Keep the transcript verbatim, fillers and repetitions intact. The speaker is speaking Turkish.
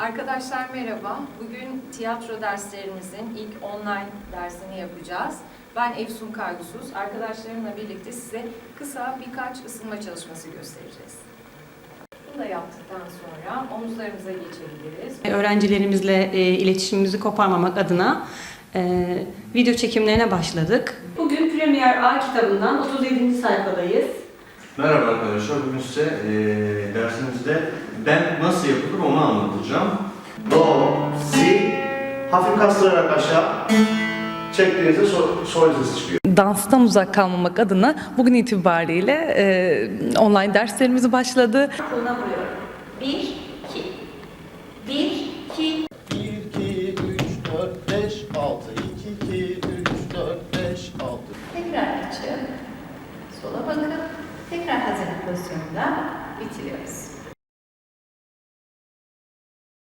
Arkadaşlar merhaba. Bugün tiyatro derslerimizin ilk online dersini yapacağız. Ben Efsun Kaygusuz. Arkadaşlarımla birlikte size kısa birkaç ısınma çalışması göstereceğiz. Bunu da yaptıktan sonra omuzlarımıza geçebiliriz. Öğrencilerimizle e, iletişimimizi koparmamak adına e, video çekimlerine başladık. Bugün Premier A kitabından otuz yedinci sayfadayız. Merhaba arkadaşlar, bugün size e, dersimizde ben nasıl yapılır onu anlatacağım. Do, si, hafif kastırarak aşağı çektiğinizde sol, sol sesi çıkıyor. Danstan uzak kalmamak adına bugün itibariyle e, online derslerimiz başladı. Koluna vuruyorum. Bir, iki. Bir, iki. bir, iki, üç, dört, beş, altı. iki, iki, üç, dört, beş, altı. Tekrar açıp sola bakıp tekrar hazırlık pozisyonunda bitiriyoruz.